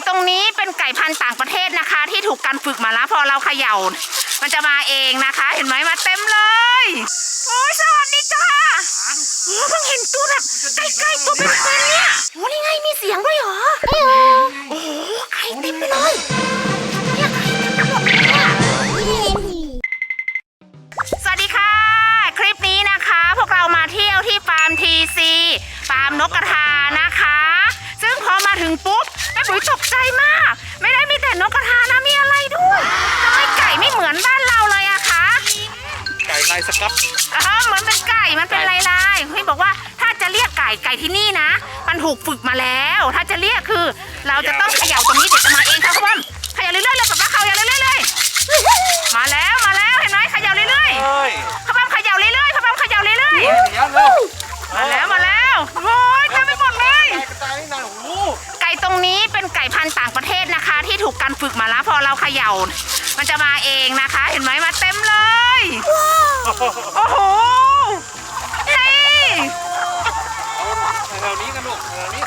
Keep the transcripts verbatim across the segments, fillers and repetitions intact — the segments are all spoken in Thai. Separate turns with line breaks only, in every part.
ตรงนี้เป็นไก่พันธุ์ต่างประเทศนะคะที่ถูกการฝึกมาแล้วพอเราเขย่ามันจะมาเองนะคะเห็นไหมมาเต็มเลยโอ้ยสวัสดีจ้าโอ้เพิ่งเห็นตัวแบบใกล้ๆตัวเป็นๆเนี่ยโอ้นี่ไงมีเสียงด้วยเหรอโอ้โหไก่เต็มไปเลยเนี่ยไก่เต็มไปหมดเลยเนี่ยสวัสดีค่ะคลิปนี้นะคะพวกเรามาเที่ยวที่ฟาร์มทีซีฟาร์มนกกระทานะคะซึ่งพอมาถึงปุ๊บแม่ปุ๋ยตกใจมากไม่ได้มีแต่นกกระทานะมีอะไรด้วยทำไมไก่ไม่เหมือนบ้านเราเลยอะคะ
ไก่ลายสก๊อต
เออเหมือนเป็นไก่มันเป็นลายลายพี่บอกว่าถ้าจะเรียกไก่ไก่ที่นี่นะมันถูกฝึกมาแล้วถ้าจะเรียกคือเราจะต้องเขย่าตรงนี้เดี๋ยวจะมาเองค่ะคุณเขย่าเรื่อยๆเลยแบบว่าเขย่าเรื่อยๆเลยมาแล้วมาแล้วเห็นไหมเขย่าเรื่อยๆเขาบังเขย่าเรื่อยๆเขาบังเขย่าเรื่อยๆมาแล้วมาแล้วโอ้ยเต็มไปหมดเลยไก่ตรงนี้เป็นไก่พันธุ์ต่างประเทศนะคะที่ถูกการฝึกมาแล้วพอเราเขย่ามันจะมาเองนะคะเห็นไหมมาเต็มเลยโอ้โหนี่
แถวนี้กันลูกแถวนี้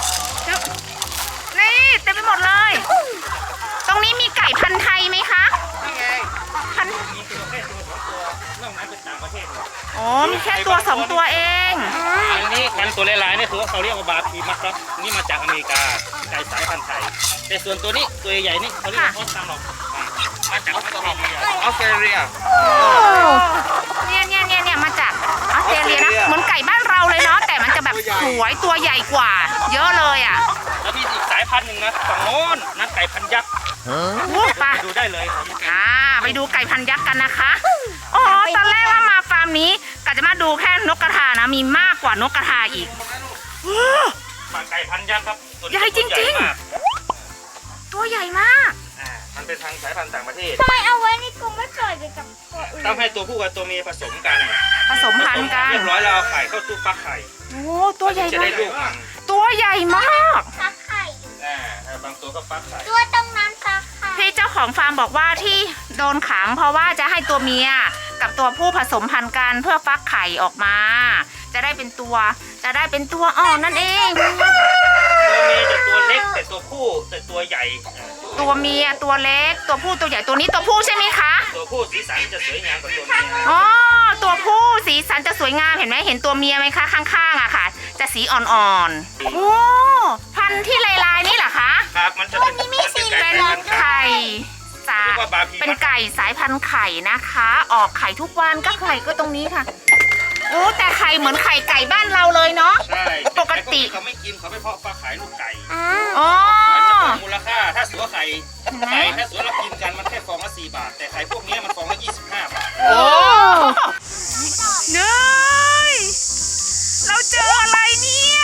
นี่เต็มไปหมดเลยตรงนี้มีไก่พันธุ์ไทยไหมคะ
นี่ไง
พันธุ์
มีตัวแค่ตัวสองตัวนอกนั้นเป็นต่างประเทศ
อ๋อมีแค่ตัวสองตัวเอง
อันนี้พันตัวลายๆนี่คือเขาเรียกว่าบาพีมัสครับนี่มาจากอเมริกาไก่สายพันธุ์ไทยแต่ส่วนตัวนี้ตัวใหญ่ๆนี่เขาเรียกว่าออสตาร์ล็อกมาจากออสเตรเลียออสเตรเลีย
เนี่ยเนี่ยเนี่ยเนี่ยมาจากออสเตรเลียนะเหมือนไก่บ้านเราเลยเนาะแต่มันจะแบบสวยตัวใหญ่กว่าเยอะเลยอ่ะ
แล้วมีอีกสายพันธุ์หนึ่งนะฝั่งโน้นนั่นไก่พันยักษ์
ไป
ดูได้เลย
อ่าไปดูไก่พันยักษ์กันนะคะอ๋อตอนแรกว่ามาฟาร์มนี้กะจะมาดูแค่นกกระทานะมีมากกว่านกกระทาอีก
มาไก่พันยักษ์ครับ
ใหญ่จริงๆตัวใหญ่มาก
อ่ามันเป็นทางสายพันธุ์ต่างประเทศ
ทำไมเอาไว้ในกรงไม่ปล่อยไปกับตัวอื่น
ต้องให้ตัวผู้กับตัวเมียผสมกัน
ผสมพันธุ์กัน
เรียบร้อยแล้วเอาไข่เข้าตู้ฟักไข่
โอ้ตัวใหญ่
จะได้ลูกมัน
ตัวใหญ่มาก
ฟักไข่
อ่าบางตัวก็ฟักไข่
ตัวตรงนั้นฟักไข่
พี่เจ้าของฟาร์มบอกว่าที่โดนขังเพราะว่าจะให้ตัวเมียกับตัวผู้ผสมพันธุ์กันเพื่อฟักไข่ออกมาจะได้เป็นตัวจะได้เป็นตัวอ่อนนั่นเอง
ตัวเมียจะตัวเล็กแต่ตัวผู้แต่ตัวใหญ่
ตัวเมียตัวเล็กตัวผู้ตัวใหญ่ตัวนี้ตัวผู้ใช่ไหมคะ
ตัวผู้สีสันจะสวยงามกว่าตัวเมีย
อ๋อตัวผู้สีสันจะสวยงามเห็นไหมเห็นตัวเมียไหมคะข้างๆอะค่ะจะสีอ่อนๆโอ้พันธุ์ที่ลายๆนี่เหรอคะ
ครับมันจะเป็น
เป็นไข่สาเป็นไก่สายพันธุ์ไข่นะคะออกไข่ทุกวันก็ไข่ก็ตรงนี้ค่ะโอ้แต่ไข่เหมือนไข่ไก่บ้านเราเลยเนาะ
ใช่
ปกติ
เขาไม่กินเขาไม่เพาะปลาขายลูกไก่
อ๋อ
มันจะเป็นมูลค่าถ้าสัวไข่ไข่ถ้าสัวเรากินกันมันแค่ฟองละสี่บาทแต่ไข่พวกนี้มันฟองละยี่สิบห้าบาท
โอ้เนยเราเจออะไรเนี่ย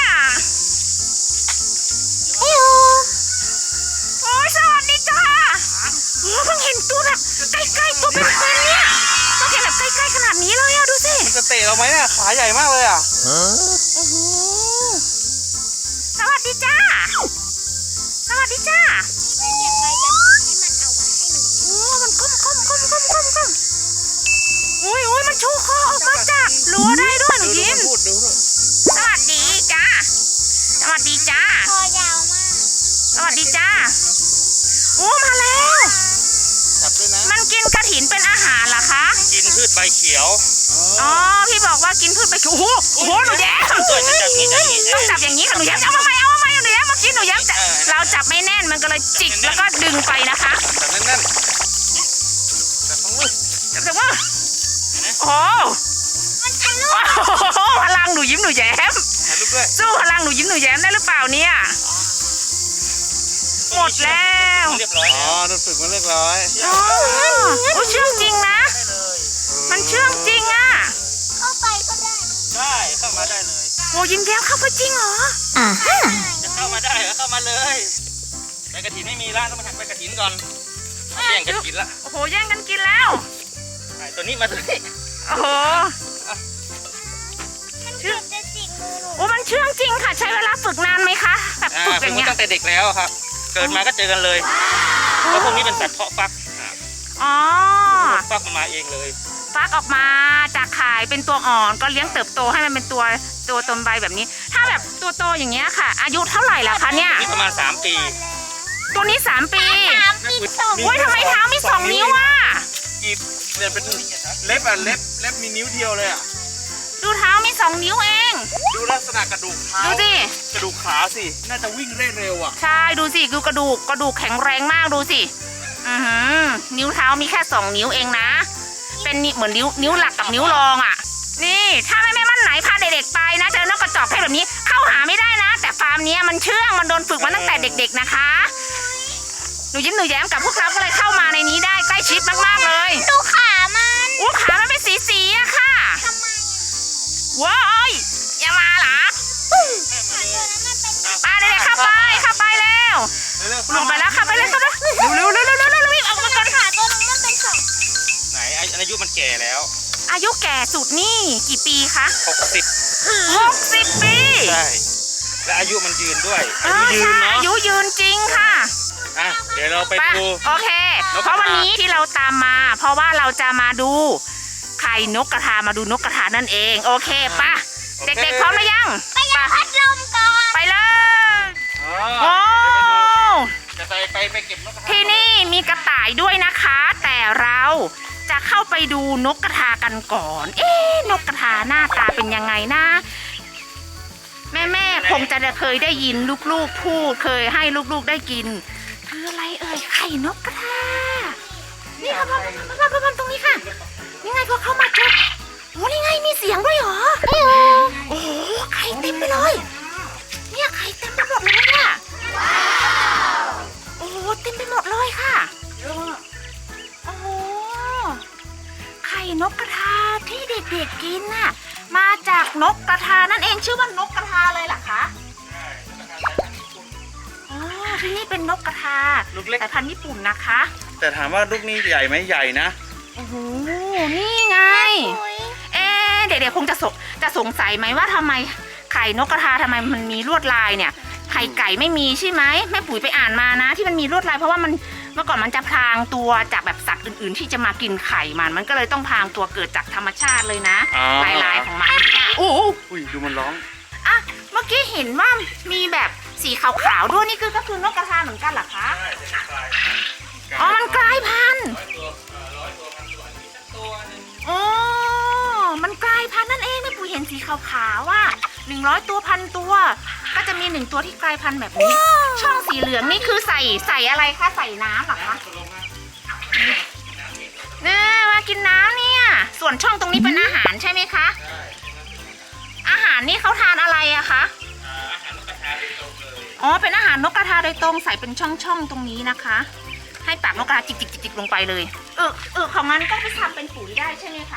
โอ้โอ้สวัสดีจ้าโอ้เพิ่งเห็นตัวแบบใกล้ๆตัวเป็นๆเนี่ยต้องเห็นแบบใกล้ๆขนาดนี้เลยอะดูสิ
มันจะเตะเราไหมเนี่ยขาใหญ่มากเลยอ่ะ
โอ้โหสวัสดีจ้าสวัสดีจ้า
ไม่เก็บใบกระถิ่นให้มันเอาไว้ให้มัน
โอ้มันก้มก้มก้มก้มก้มก้มอุ้ยอุ้ยมันชูคอออกมาจากรั้วได้ด้วยหนูยิ้มสวัสดีจ้าสวัสดีจ้า
คอยาวมาก
สวัสดีจ้าโอ้มาแล้ว
จับด้วยนะ
มันกินกระถินเป็นอาหารเหรอคะ
กินพืชใบเขียว
อ๋อพี่บอกว่ากินพืชใบเขียวโอ้โหโอ้โหหนูแย้มต้องจับอย่างนี้ค่ะหนูแย้มเอามาใหม่เอามาใหม่หนูแย้มเมื่อกี้หนูแย้มเราจับไม่แน่นมันก็เลยจิกแล้วก็ดึงไปนะคะ
จับแน่นๆจับทั้งมือ
จับทั้งมือโอ้
มันทะลุ
พลังหนูยิ้มหนูแย้มสู้พลังหนูยิ้มหนูแย้มได้หรือเปล่าเนี่ยหมดแล้ว
เรียบร้อยอ๋อโดนฝึกมาเรียบร้อย
อ๋อโอ้เชื่องจริงนะมันเชื่องจริงอ่ะ
เข้าไปก็ได้
ได้เข้ามาได้เลย
โอ้ยิ้มแย้มเข้าไปจริงเหรอ
อ่าฮะ
จะเข้ามาได้เข้ามาเลยใบกระถินไม่มีละต้องมาหักใบกระถินก่อนแย่งกันกินละ
โอ้โหแย่งกันกินแล้ว
ตัวนี้มาตัวนี้
โอ้โห
มันเชื่องจะจิกมือหนู
โอ้มันเชื่องจริงค่ะใช้เวลาฝึกนานไหมคะแบบฝึกอย่างเงี้ย
ตั้งแต่เด็กแล้วครับเกิดมาก็เจอกันเลยเพราะพวกนี้เป็นสัตว์เพาะฟัก
อ๋อ
ฟักมาเองเลย
ฟักออกมาจากไข่เป็นตัวอ่อนก็เลี้ยงเติบโตให้มันเป็นตัวตัวตนใบแบบนี้ถ้าแบบตัวโตอย่างเงี้ยค่ะอายุเท่าไหร่แล้วคะเนี่ย
ประมาณสามปี
ตัวนี้สามปี
สามปีสอง
โอ้ยทำไมเท้ามีสองนิ้วอ่ะ
กีบเนี่ยเป็นเล็บอ่ะเล็บเล็บมีนิ้วเดียวเลยอ่ะ
ดูเท้ามีสองนิ้วเอง
ดูลักษณะกระดูกเท้า
ดูสิ
กระดูกขาสิน่าจะวิ่งได้เร็วอ่ะ
ใช่ดูสิดูกระดูกกระดูกแข็งแรงมากดูสิอือหือนิ้วเท้ามีแค่สองนิ้วเองนะ เป็นนี่เหมือนนิ้วนิ้วหลักกับนิ้วรองอ่ะ นี่ถ้าแม่แม่บ้านไหนพาเด็กๆไปนะเจอนกกระจอกเพศแบบนี้เข้าหาไม่ได้นะ แต่ฟาร์มเนี้ยมันเชื่องมันโดนฝึกมาตั้งแต่เด็ก ๆนะคะหนูยิ้มหนูแย้มกับพวกเราก็เลยเข้ามาในนี้ได้ใกล้ชิดมากๆเลย
ดูขามัน
อู้ขามันเป็นสีสีๆอะค่ะ
ทำไม
ว้ายอย่ามาเหรอ
ขาตัวนั้นมันเป็น
มาเด็กๆเข้าไปเข้าไปแล้ว
เร็ว
ลงไปแล้วเข้าไปเลยเข้าไปเร็วเร็วเร็วเร็วเร็วเร็วรีบออกมาก่อน
ขาตัวนั้นมันเป็นสอง
ไหนอายุมันแก่แล้ว
อายุแก่สุดนี่กี่ปีคะ
หกสิบ
หกสิบปี
ใช่และอายุมันยืนด้วย
เอ
อายุ
อ
ยืน
ใช่
เนาะ
อายุยืนจริงค่ะ
อ่ะเดี๋ยวเราไป
ไป
ดู
โอเค
นกกระทา
เพราะวันนี้ที่เราตามมา เพราะว่าเราจะมาดูไข่นกกระทามาดูนกกระทานั่นเองโอเคปะเด็กๆพร้อมหรือยัง
ไปยังพัดลมก่อน
ไปเลย
อ๋
โอ้
อจะไปไปไปเก็บนกกระทา
ที่นี่มีกระต่ายด้วยนะคะ แต่เราจะเข้าไปดูนกกระทากันก่อน เอ๊ะนกกระทาหน้าตาเป็นยังไงนะ แม่แม่ๆคงจะเคยได้ยินลูกๆพูดเคยให้ลูกๆได้กิน คืออะไรเอ่ยไข่นกกระทา นี่ค่ะพ่อพ่อพ่อพ่อตรงนี้ค่ะ นี่ไงพอเข้ามาจุดโอ้นี่ไงมีเสียงด้วยเหรอโอ้โหไข่เต็มไปเลย เนี่ยไข่เต็มไปหมดเลยเนี่ยโอ้โหเต็มไปหมดเลยค่ะโอ้โหไข่นกกระทาที่เด็กๆกินน่ะมาจากนกกระทานั่นเองชื่อว่านกกระทาเลยเหรอคะอ๋อที่นี่เป็นนกกระทา
ลูกเล็ก
สายพันธุ์ญี่ปุ่นนะคะ
แต่ถามว่าลูกนี้ใหญ่ไหมใหญ่นะ
โอ้โหนี่ไง เอ๊ะเด็กๆคงจะสงจะสงสัยไหมว่าทำไมไข่นกกระทาทำไมมันมีลวดลายเนี่ยไข่ไก่ไม่มีใช่ไหมแม่ปุ๋ยไปอ่านมานะ ที่มันมีลวดลายเพราะว่ามันเมื่อก่อนมันจะพรางตัวจากแบบสัตว์อื่นๆ ที่จะมากินไข่มันมันก็เลยต้องพรางตัวเกิดจากธรรมชาติเลยนะ
อ๋อ
ลายลายๆของมันโอ้โห
อุ้ยดูมันร้อง
อ่ะเมื่อกี้เห็นว่ามีแบบสีขาวๆด้วยนี่คือก็คือนกกระทาเหมือนกันเหรอคะอ๋อมันกลายพันธุ์อ๋อมันกลายพันธุ์นั่นเองแม่ปุ๋ยเห็นสีขาวๆว่าหนึ่งร้อยตัวพันตัว ก็จะมีหนึ่งตัวที่กลายพันธุ์แบบนี้ ช่องสีเหลืองนี่คือใส่ใส่อะไรคะใส่น้ำเหรอคะเนี่ยมากินน้ำเนี่ยส่วนช่องตรงนี้เป็นอาหารใช่ไหมคะอาหารนี่เขาทานอะไรอะคะอ๋อเป็นอาหารนกกระทาโดยตรงใส่เป็นช่องๆตรงนี้นะคะ ให้ปากนกกระทาจิกๆๆลงไปเลยเออเออของมันก็ไปทำเป็นปุ๋ยได้ใช่ไหมคะ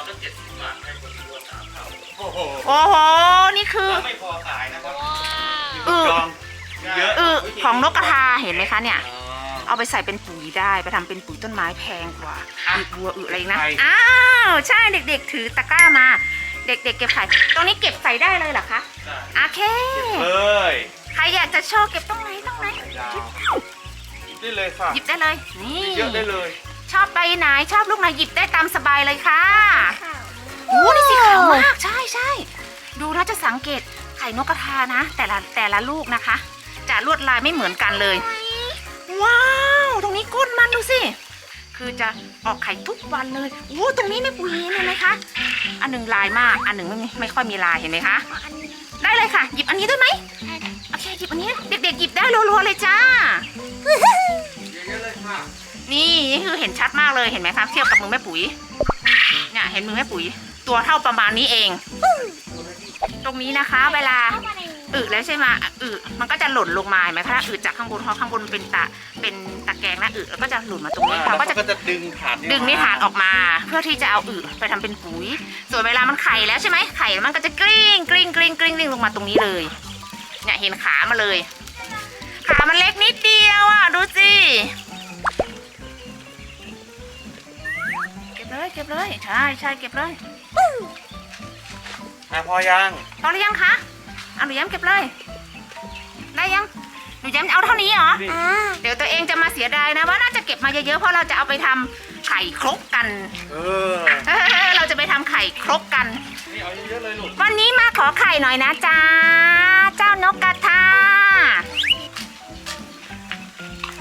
โอ้โห
โอ้โหนี่คือ
ไม่พอขายนะครับ
เออ
จองเยอะ
เออของนกกระทาเห็นไหมคะเนี่ย
อ๋อ
เอาไปใส่เป็นปุ๋ยได้ไปทำเป็นปุ๋ยต้นไม้แพงกว่าอึบัวอึอะไรอีกนะ
ไข่
อ้าวใช่เด็กๆถือตะกร้ามา เด็กๆเก็บไข่ตรงนี้เก็บใส่ได้เลยเหรอคะโอเค
เลย
ใครอยากจะโชว์เก็บตรงไหนตรงไหน
ยาวหยิบได้เลยค่ะ
หยิบได้เลยนี่
เยอะได้เลย
ชอบใบไหนชอบลูกไหนหยิบได้ตามสบายเลยค่ะโอ้นี่สีขาวมากใช่ใช่ดูนะจะสังเกตไข่นกกระทานะ แต่ละแต่ละลูกนะคะ จะลวดลายไม่เหมือนกันเลย ว้าวตรงนี้ก้นมันดูสิคือจะออกไข่ทุกวันเลยโอ้ตรงนี้ไม่ปุ๋ยเห็นไหมคะอันหนึ่งลายมากอันหนึ่งไม่ไม่ค่อยมีลายเห็นไหมคะได้เลยค่ะ หยิบอันนี้ด้วยไหมโอเคหยิบอันนี้เด็กๆหยิบได้รัวๆเลยจ้า
เยอะเลยค่ะ
นี่นี่คือเห็นชัดมากเลยเห็นไหมคะเทียบกับมือแม่ปุ๋ยเนี่ยเห็นมือแม่ปุ๋ย ตัวเท่าประมาณนี้เอง ตรงนี้นะคะ เวลา
เข้ามาในนี้
อึแล้วใช่ไหมอึมันก็จะหล่นลงมาเห็นไหมคะอึจากข้างบนเพราะข้างบนเป็นตะเป็นตะแกรงนะอึแล้วก็จะหล่นมาตรงนี้
แล้ว
เขาก็จะ
ก็จะดึงฐาน
ดึงนิทานออกมา เพื่อที่จะเอาอึไปทำเป็นปุ๋ย ส่วนเวลามันไข่แล้วใช่ไหมไข่มันก็จะกลิ้งกลิ้งกลิ้งกลิ้งกลิ้งลงมาตรงนี้เลยเนี่ยเห็นขามาเลย ขามันเล็กนิดเดียวอ่ะดูสิเก็บเลยเก็บเลยใช่ใช่เก็บเลย
อ่ะพอยัง
พอหรือยังคะเอาหนูย้ำเก็บเลยได้ยังหนูย้ำเอาเท่านี้เหรอ
นี่
อ่า
เดี๋ยวตัวเองจะมาเสียดายนะว่าน่าจะเก็บมาเยอะๆเพราะเราจะเอาไปทำไข่ครกกัน
เออ
เออเราจะไปทำไข่ครกกัน
นี่เอาเยอะๆเลยลูก
วันนี้มาขอไข่หน่อยนะจ๊ะเจ้านกกระทา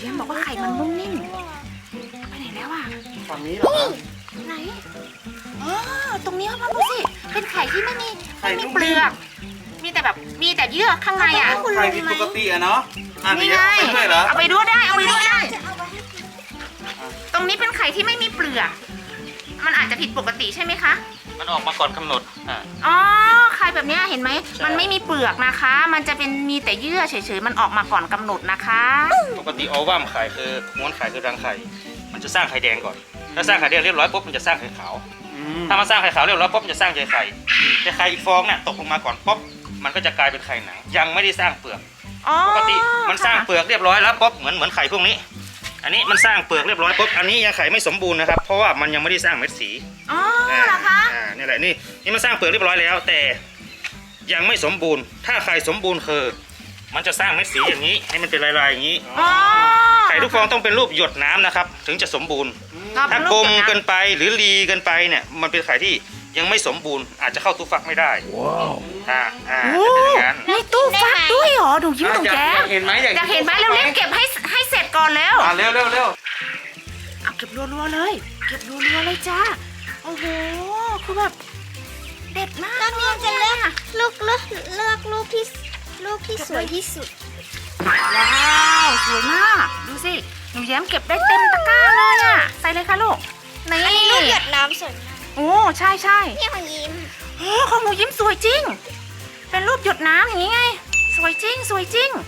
ย้มบอกว่าไข่มันนุ่มนิ่มไปไหนแล้วอ่ะ
ฝั่งนี้เหรอครับ
ไหนอ๋อตรงนี้พ่อดูสิเป็นไข่ที่ไม่มี
ไข่
ไม่มี
นุ่ม
เปลือกมีแต่แบบมีแต่เยื่อข้างในอ่ะ
ไข่ผิดปกติอะเนาะอ่ะ
นี่
เดี๋ยว
ไง
เอาไปด้วยเหรอ
เอาไปด้วยได้เอาไปด้วยได้
จะเอาไว้ให้กิน
ตรงนี้เป็นไข่ที่ไม่มีเปลือกมันอาจจะผิดปกติใช่ไหมคะ
มันออกมาก่อนกำหนดอ่า
อ๋อไข่แบบเนี้ยเห็นไหม
ใช่
มันไม่มีเปลือกนะคะ มันจะเป็นมีแต่เยื่อเฉยๆมันออกมาก่อนกำหนดนะคะ
ปกติโอวัมไข่คือม้วนไข่คือรังไข่ มันจะสร้างไข่แดงก่อน ถ้าสร้างไข่แดงเรียบร้อยปุ๊บมันจะสร้างไข่ขาว
อืม
ถ้ามันสร้างไข่ขาวเรียบร้อยปุ๊บมันจะสร้างใยไข่แต่ไข่อีกฟองเนี่ยตกลงมาก่อนปุ๊บมันก็จะกลายเป็นไข่หนัง ยังไม่ได้สร้างเปลือก
อ๋อ
ปกติมันสร้าง
ค่ะ
เปลือกเรียบร้อยแล้วปุ๊บเหมือนเหมือนไข่พวกนี้ อันนี้มันสร้างเปลือกเรียบร้อยปุ๊บอันนี้ยังไข่ไม่สมบูรณ์นะครับเพราะว่ามันยังไม่ได้สร้างเม็ดสี
อ๋อเหรอคะ
อ่านี่แหละนี่นี่มันสร้างเปลือกเรียบร้อยแล้ว แต่ยังไม่สมบูรณ์ ถ้าไข่สมบูรณ์คือ มันจะสร้างเม็ดสีอย่างนี้ ให้มันเป็นลายๆอย่างนี้
อ๋อ
ไข่ทุกฟองต้องเป็นรูปหยดน้ำนะครับ ถึงจะสมบูรณ์
เราเป็
ถ้าน
ลู
กลม
หยดำ
เกินไปหรือรีเกินไปเนี่ยมันเป็นไข่ที่ยังไม่สมบูรณ์ อาจจะเข้าตู้ฟักไม่ได้ว้าวอ่าอ่า
โอ้
จะเป็นอย่างนั้น
ในตู้ฟักด้วยเหรอดูยิ้มตรง
อยาก
แก้
อยากเห็นไหมอยาก
อยากเห็นไหมเร็วๆเก็บให้ให้เสร็จก่อนแล้ว
อ่ะเร็วเร็วเร็ว
เอาเก็บรัวๆเลย เก็บรัวๆเลยจ้าโอ้โหคือแบบเด็ดมาก
แล้วเนี่ยจะเลือกลูกเลือกเลือกลูกที่ลูกที่สวยที่สุด
ว้าวสวยมากดูสิหนูแย้มเก็บได้เต็มตะกร้าเลยอ่ะใส่เลยค่ะลูกนี่
อันนี้ลูกหยดน้ำสวยมาก
โอ้ใช่ใช่
นี่ของยิ้ม
โอ้ของหนูยิ้มสวยจริง เป็นรูปหยดน้ำอย่างนี้ไง สวยจริง สวยจริง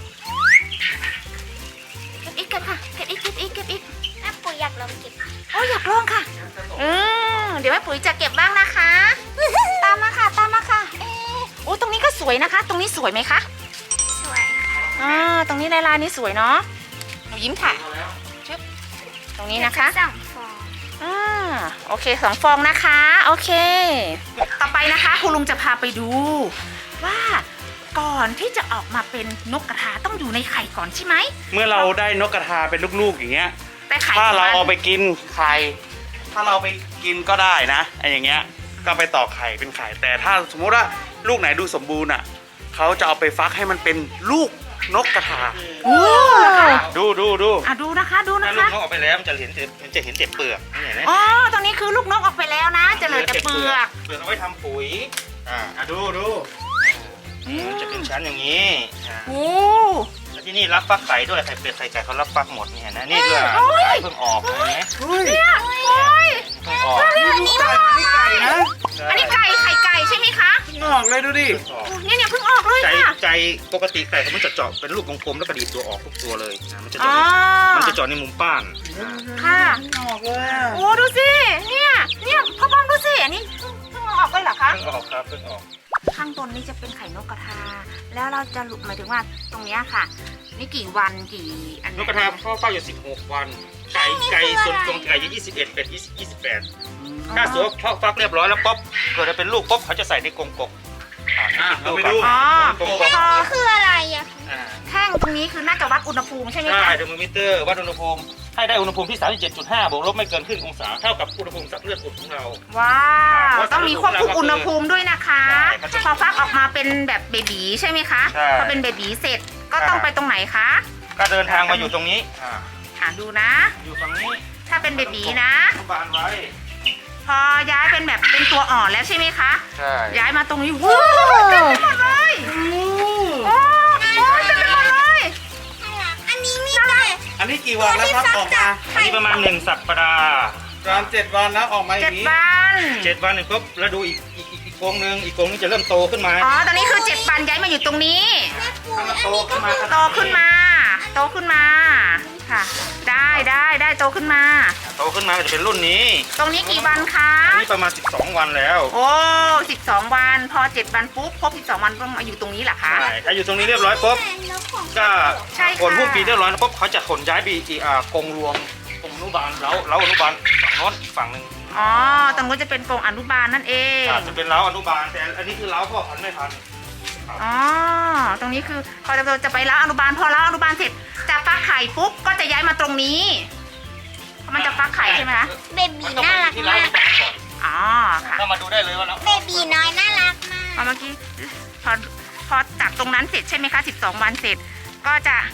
เก็บอีกเก็บค่ะ เก็บอีก เก็บอีก เก็บอีก
แม่ปุ๋ยอยากลองเก็บ
โอ้ยอยากลองค่ะเออเดี๋ยวแม่ปุ๋ยจะเก็บบ้างนะคะ ตามมาค่ะ ตามมาค่ะ เอ๊ะโอ้ตรงนี้ก็สวยนะคะ ตรงนี้สวยไหมคะ
สวยค่ะ
อ่าตรงนี้ลายลายนี้สวยเนาะ หนูยิ้มค่ะชึบตรงนี้นะคะ
สองฟอง
อ่าโอเคสองฟองนะคะ โอเค ต่อไปนะคะคุณลุงจะพาไปดู ว่าก่อนที่จะออกมาเป็นนกกระทาต้องอยู่ในไข่ก่อนใช่ไหม
เมื่อเราได้นกกระทาเป็นลูกๆอย่างเงี้ย
แต่ไข่
ถ้าเรา
ของมัน
เอาไปกินไข่ ถ้าเราไปกินก็ได้นะไอ้อย่างเงี้ย ก็ไปต่อไข่เป็นไข่ แต่ถ้าสมมติว่าลูกไหนดูสมบูรณ์อ่ะเขาจะเอาไปฟักให้มันเป็นลูกนกกระทา
โอ้เหรอคะ
ดูดูดู
อ่ะดูนะคะ ดู
ถ้า
นะ
ลูก
คะ
นกออกไปแล้วมันจะเห็นแต่มันจะเห็นแต่เปลือกนี่เห็นไหม
อ๋อ ตรงนี้คือลูกนกออกไปแล้วนะ จะเหลือแต่เปลือก
เปลือกเอาไว้ทำปุ๋ยอ่า
อ่ะดูดู
มันจะเป็นชั้นอย่างนี้อ่า
โอ้
แล้วที่นี่รับฟักไข่ด้วยไข่เป็ดไข่ไก่เขารับฟักหมดนี่เห็นไหมนี่คือไข่เพิ่งออกเห็นไหม
เฮ้ย
เนี่ยโอ้ย
เพิ่งออก
นี่ลูกไก่นี่ไก่นะ
อันนี้ไก่ไข่ไก่ใช่ไหมคะ
งอกเลยดูดิ
เพิ่งออก
โอ้เนี่ยเนี่ยเพิ่งออกเลย
ใจ
ค่ะ
ใจปกติไก่เขามันจะเจาะเป็นลูกกลมๆแล้วกระดีดตัวออกทุกตัวเลยนะมันจะ
อ๋
เจาะ
อ
ในมันจะเจาะในมุมป้านอ่า
ค่ะ
งอกเลยอ่ะ
โอ้ดูสิ เนี่ย เนี่ยพ่อบอมดูสิ อันนี้เพิ่งเพิ่งเอาออกเลยเหรอคะ
เพิ่งออกครับเพิ่งออก
ข้างบนนี่จะเป็นไข่นกกระทา แล้วเราจะหลุดหมายถึงว่าตรงเนี้ยค่ะ นี่กี่วันกี่อัน
นกกระทาเขาเฝ้าอยู่สิบหกวัน ไก่ไก่ส่วนตรงไก่อยู่ยี่สิบเอ็ดเป็ดยี่สิบ ยี่สิบแปดถ้าสมมติเขาฟักเรียบร้อยแล้วป๊บเกิดเป็นลูกป๊บเขาจะใส่ในกรงกบอ่า
อ่ะเราไปดู
อ๋อ
กรงกบ
พอ
คืออะไรอ่ะ
อ่า
แท่งตรงนี้คือน่าจะวัดอุณหภูมิใช่ไหม
ใช่
คะ
เทอร์โมมิเตอร์วัดอุณหภูมิให้ได้อุณหภูมิที่ สามสิบเจ็ดจุดห้า บวกลบไม่เกินครึ่งองศาเท่ากับอุณหภูมิสับเลือดอุดของเรา
ว้าว
เพราะ
ต้องมีควบคุมอุณหภูมิด้วยนะคะ
ใช่มันจะ
พอฟักออกมาเป็นแบบเบบีใช่ไหมคะ
ใช่
พอเป็นเบบีเสร็จก็ต้อง
ใช่
ไปตรงไหนคะ
ก็เดินทางมาอยู่ตรงนี้อ่า
อ่ะดูนะ
อยู่ตรงนี้
ถ้าเป็นเบบีนะ
อนุบาลไว้
พอย้ายเป็นแบบเป็นตัวอ่อนแล้วใช่ไหมคะ
ใช่
ย้ายมาตรงนี้ว้าวเต็มไปหมดเลยโอ้โหเต็มไปหมดเลย
อันนี้มีไก่
อันนี้กี่วันแล้วครับออกมา
อันนี้ประมาณหนึ่งสัปดาห์
ประมาณเจ็ดวันแล้วออกมาอ
เจ็
ย่า
ด
งนี้
วัน
เจ็ดวันหนึ่งปุ๊บแล้วดูอีกอีกอีกอีกกรงหนึ่งอีกกรงนึงจะเริ่มโตขึ้นมา
อ๋อ ตอนนี้คือเจ็ดวันย้ายมาอยู่ตรงนี้
ถ้ามันโตขึ้นมา
โตขึ้นมา โตขึ้นมา ค่ะ ได้ได้ได้โตขึ้นมา
โตขึ้นมาก็จะเป็นรุ่นนี้
ตรงนี้กี่วันคะ
อันนี้ประมาณสิบสองวันแล้ว
โอ้สิบสองวัน พอเจ็ดวันปุ๊บ ครบสิบสองวันต้องมาอยู่ตรงนี้เหรอคะ
ใช่ถ้าอยู่ตรงนี้เรียบร้อยปุ๊บก็
ใช่ค่ะ
ขนหุ้มปีเรียบร้อยแล้วปุ๊บเขาจะขนย้ายไปอีกอ่ากรงรวมกรงอนุบาลเล้าเล้าอนุบาลฝั่งโน้นอีกฝั่งหนึ่ง
อ๋อ ตรงนู้นจะเป็นกรงอนุบาลนั่นเอง
อาจจะเป็นเล้าอนุบาลแต่อันนี้คือเล้าพ่อพันธุ์ไม่พันธุ์
อ๋อ ตรงนี้คือพอเราจะไปเล้าอนุบาล พอเล้าอนุบาลเสร็จ จะฟักไข่ปุ๊บ ก็จะย้ายมาตรงนี้เพราะมันจะฟักไข่ใช่ไหมคะ
เบบี
มันต้อง
น่า
ไป
รัก
ที่เล้าม
าก
อนุบาลก่อน
อ๋อ ค่ะ
ก็มาดูได้เลยว่าเล้า
เบบีน้อยน่ารักมาก
พอเมื่อกี้พอพอจากตรงนั้นเสร็จใช่ไหมคะสิบสองวันเสร็จ ก็จะ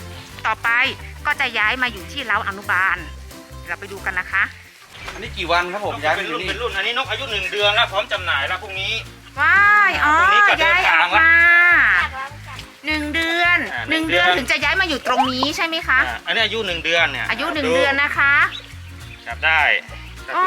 ต่อไปก็จะย้ายมาอยู่ที่เล้าอนุบาล เราไปดูกันนะคะ
อันนี้กี่วันครับผมย้าย
เป็
มาน อ
รุ่
ยู่
น
นี่
เป็นรุ่นอันนี้นกอายุหนึ่งเดือนแล้วพร้อมจำหน่ายแล้วพรุ่งนี้
ว้ายอ๋อ
ตรงนี้ก็เดิน
ย้ายอ
ทา
อง ก
ละ
มาหนึ่งเดือน
อ่า
หนึ่ง
หนึ่งเดื
เดือ
อน น
ถึงจะย้ายมาอยู่ตรงนี้ใช่ไหมคะ
อ่าอันนี้อายุหนึ่งเดือนเนี่ย
อายุหนึ่งเดือนนะคะ
จับได้จับ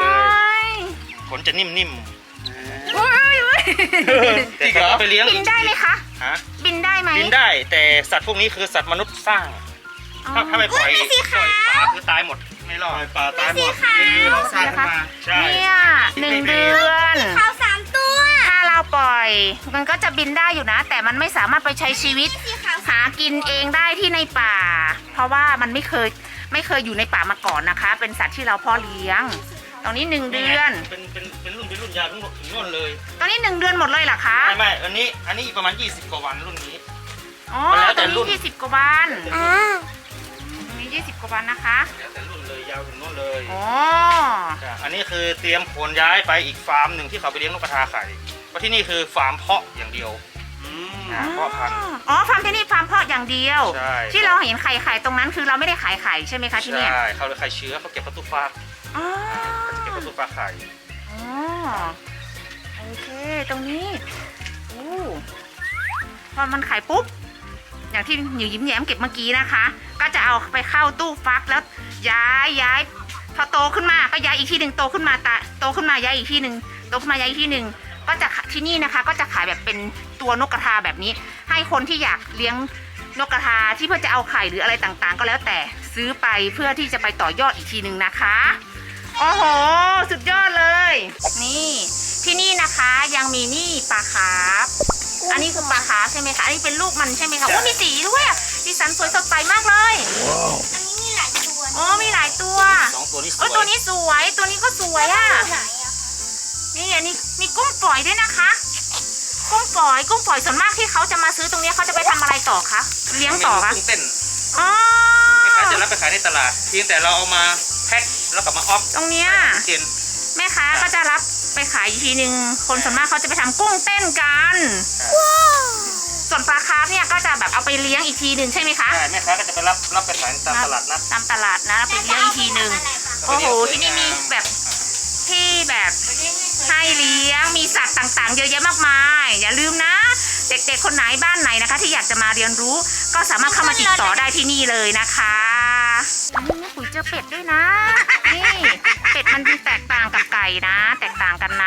โอ้
เลย
ย
ขนจะนิ่ม
โอ้ยโอ้ย
ๆแต่ถ้าเอาไปเลี้ยง
บินได้ไหมคะ
ฮะ
บินได้ไหม
บินได้แต่สัตว์พวกนี้คือสัตว์มนุษย์สร้าง
อ๋อ
ถ้าถ้าไม่ปล่อยปล่อยปลาคือตายหมดไม่รอด
ปลาตายหมดนี่คือเราสร้างขึ้นมา
ใช่
เนี่ยหนึ่งเดือน
ขาวสามตัว
ถ้าเราปล่อย มันก็จะบินได้อยู่นะ แต่มันไม่สามารถไปใช้ชีวิต
สีขาว
หากินเองได้ที่ในป่า เพราะว่ามันไม่เคยไม่เคยอยู่ในป่ามาก่อนนะคะ เป็นสัตว์ที่เราเพ่อเลี้ยง ตรงนี้หนึ่งเดือน
เป็นเป็นเป็นรุ่นเป็นรุ่นยาวถึงถึงนู่นเลย
ตอนนี้หนึ่งเดือนหมดเลยเหรอคะ
ไม่ไม่อันนี้อันนี้อีกประมาณยี่สิบกว่าวันรุ่นนี้
อ๋อ
มันแล้ว
ต
แต่
รง
รุ่
นี้
น
ยี่สิบกว่าวัน
อ่า
ตรงนี้ยี่สิบกว่าวันนะคะ
แล้วแต่รุ่นเลยยาวถึงนู่นเลย
อ๋อ
จ้ะอันนี้คือเตรียมขนย้ายไปอีกฟาร์มหนึ่งที่เขาไปเลี้ยงนกกระทาไข่เพราะที่นี่คือฟาร์มเพาะอย่างเดียว
อืม
อ่าเพาะพันธุ์
อ๋อฟาร์มที่นี่ฟาร์มเพาะอย่างเดียว
ใช่
ที่เราเห็นไข่ไข่ตรงนั้นคือเราไม่ได้ขายไข่ใช่ไหมคะที่เนี่ย
ใช่เขาเลยไข่เชื้อเขาเก็บประตูฟ้า
อ๋อ
เขาจะเก็บประตูฟ้าไข่
อ๋อโอเคตรงนี้อู้พอมันไข่ปุ๊บ อย่างที่หนิวยิ้มแย้มเก็บเมื่อกี้นะคะ ก็จะเอาไปเข้าตู้ฟักแล้วย้ายย้ายพอโตขึ้นมาก็ย้ายอีกที่หนึ่งโตขึ้นมาตาโตขึ้นมาย้ายอีกที่หนึ่งโตขึ้นมาย้ายอีกที่หนึ่งก็จะที่นี่นะคะ ก็จะขายแบบเป็นตัวนกกระทาแบบนี้ ให้คนที่อยากเลี้ยงนกกระทาที่เพื่อจะเอาไข่หรืออะไรต่างๆ ก็แล้วแต่ซื้อไปเพื่อที่จะไปต่อยอดอีกทีหนึ่งนะคะโอ้โหสุดยอดเลย นี่ที่นี่นะคะยังมีนี่ปลาคาร์ฟอันนี้คือปลาคาร์ฟใช่ไหมคะอันนี้เป็นลูกมันใช่ไหมคะโอ้มีสีด้วยอะสีสันสวยสดใสมากเลย
อันนี้มีหลายตัว
โอ้มีหลายตัว
สองตัวนี้ส
โอ้
วย
ตัวนี้สวยตัวนี้ก็สวยอ่ะ
ไหนอะ
นี่อันนี้มีกุ้งฝอยด้วยนะคะ กุ้งฝอยกุ้งฝอยส่วนมากที่เขาจะมาซื้อตรงนี้เขาจะไปทำอะไรต่อคะเลี้ยงต่อคะ
กุ้งเต้น
อ๋อ
คล้ายๆจะรับไปขายในตลาดเพียงแต่เราเอามาแพ็คแล้วกลับมาออฟ
ตรงเนี้ย
กิน
แม่ค้าก็จะรับไปขายอีกทีหนึ่งคนส่วนมากเขาจะไปทำกุ้งเต้นกัน ส่วนปลาคาร์ฟเนี่ยก็จะแบบเอาไปเลี้ยงอีกทีหนึ่งใช่ไหมคะ
ใช่แม่ค้าก็จะไปรับรับไปขายตามตลาดนัด
ตามตลาดนะเอาไปเลี้ยงอีกทีหนึ่งโอ้โหที่นี่มีแบบที่แบบให้เลี้ยงมีสัตว์ต่างๆ เยอะแยะมากมาย อย่าลืมนะ เด็กๆคนไหนบ้านไหนนะคะ ที่อยากจะมาเรียนรู้ ก็สามารถเข้ามาติดต่อได้ที่นี่เลยนะคะนี่แม่ปุ๋ยเจอเป็ดด้วยนะนี่เป็ดมันแตกต่างกับไก่นะ แตกต่างกันนะ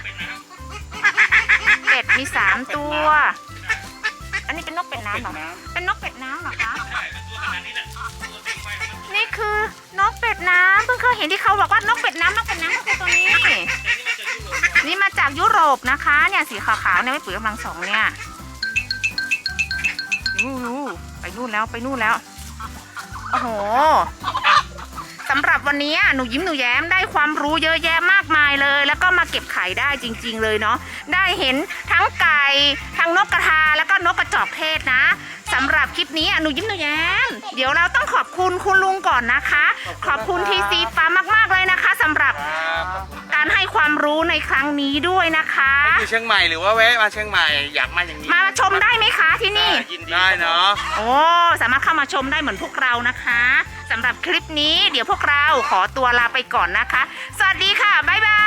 เป็ดมีสามตัว อันนี้เป็นนกเป็ดน้ำเหรอเป็นนกเป็ดน้ำเหรอคะนี่คือนกเป็ดน้ำเพิ่งเคยเห็นที่เขาบอกว่านกเป็ดน้ำนกเป็ดน้ำก็คือตัวนี้ นี่มาจากยุโรปนะคะ เนี่ยสีขาวๆเนี่ยไม่ปุ๋ยกำลังสองเนี่ยนู่นๆไปนู่นแล้วไปนู่นแล้วโอ้โหสำหรับวันนี้หนูยิ้มหนูแย้มได้ความรู้เยอะแยะมากมายเลย แล้วก็มาเก็บไข่ได้จริง ๆ เลยเนาะได้เห็นทั้งไก่ทั้งนกกระทาแล้วก็นกกระจอกเทศนะสำหรับคลิปนี้หนูยิ้มหนูแย้มเดี๋ยวเราต้องขอบคุณคุณลุงก่อนนะคะ ขอบคุณทีซีฟาร์มมากๆเลยนะคะสำหรับการให้ความรู้ในครั้งนี้ด้วยนะคะ
อยู่เชียงใหม่หรือว่าแวะมาเชียงใหม่อยากมาอย่างนี้
มาชมได้ไหมคะที่นี่
ยินดี
ได้เนาะ
โอ้สามารถเข้ามาชมได้เหมือนพวกเรานะคะสำหรับคลิปนี้เดี๋ยวพวกเราขอตัวลาไปก่อนนะคะ สวัสดีค่ะ บ๊ายบาย